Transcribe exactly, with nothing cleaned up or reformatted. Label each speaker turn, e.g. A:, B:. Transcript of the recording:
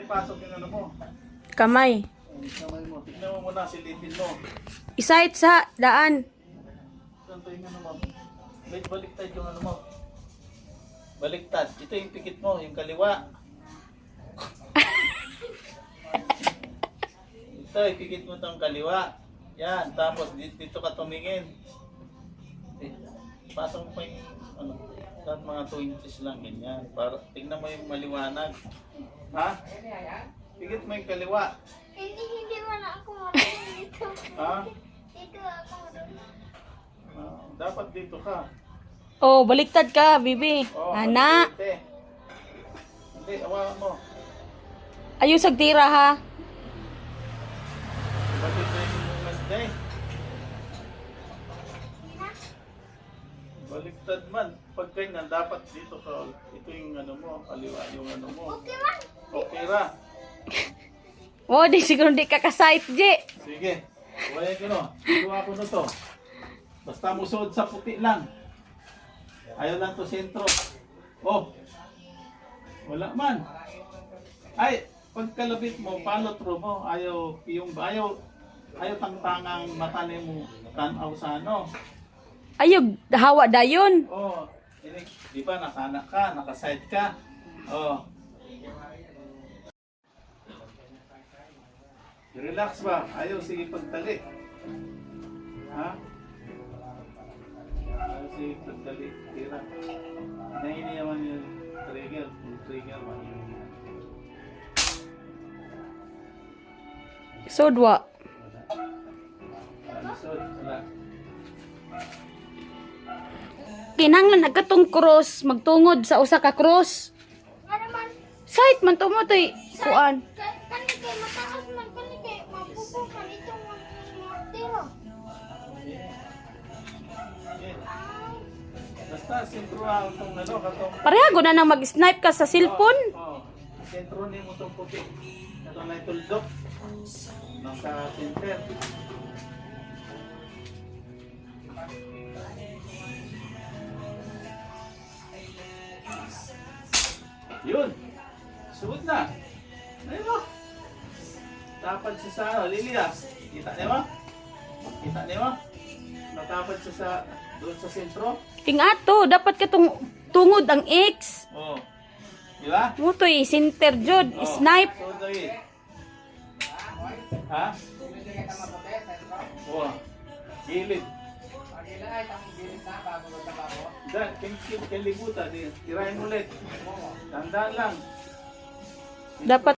A: ipasok yung ano mo.
B: Kamay.
A: Kamay mo. Tignan mo muna, silipin mo.
B: Isait sa daan.
A: Saan to yung ano mo? Wait, baliktad yung ano mo. Baliktad. Ito yung pikit mo, yung kaliwa. Ito, ipikit mo itong kaliwa. Yan, tapos dito, dito ka tumingin. Eh, pasok mo pa yung ano, lahat mga two inches lang, ganyan. Para, tingnan mo yung maliwanag. Ha? Pikit mo yung kaliwa.
C: Hindi, hindi mo na ako marunong dito.
A: Ha?
C: Dito ako marunong.
A: Ah, dapat dito ka.
B: Oh, baliktad ka, bibi.
A: Oh,
B: Ana.
A: Hindi, hindi, awakan mo.
B: Ayun sa tira ha.
A: Bakit na yung movement na eh? Baliktad man. Pag ganyan, dapat dito ka. Ito yung ano mo, kaliwa yung ano mo.
C: Okay man.
A: Okay ra.
B: Oh, di siguro di ka kasait, Je.
A: Sige. Huwag ko no. Ikuha ko na to. Basta musod sa puti lang. Ayaw lang to sentro. Oh. Wala man. Ay, pagkalabit mo, follow through mo. Ayaw, yung, ayaw, ayaw tangtangang mata ni mo tanaw sa ano.
B: Ayog, hawa dayon.
A: Oh, ini, di ba nakanak ka, nakaside ka. Oh. Relax ba? Ayaw, sige pagtali. Ha? Ayaw, sige pagtali. Tira. Nahiniyaman yung trigger. Yung trigger man.
B: Sodwa.
A: Alisod, wala.
B: Kinahanglan nagkatong cross, magtungod sa usa ka cross.
C: Ano man.
B: Sait man to mo toy kuan.
C: Ka- Kani kay mataas man. Kani kay mapupukan itong mga tiro.
A: Basta, sentro ang itong ano, katong...
B: Pareha go na nang mag-snipe ka sa cellphone.
A: Oo, oh, sentro ni mo itong puti. Ito na ituldok. Nasa center. Yun. Suot na. Ayun mo. Tapad siya sa ano, Lilia. Kita niya mo? Kita niya mo? Natapad siya sa, doon sa sentro.
B: King ato, dapat ka tung tungod ang X.
A: Oo. Oh. Di ba?
B: Mo toy center jud,
A: Oh,
B: snipe.
A: So, David. Ha? Oo. Gilid. Dan, kilibutan. Tirahin ulit. Tandaan lang.
B: Dapat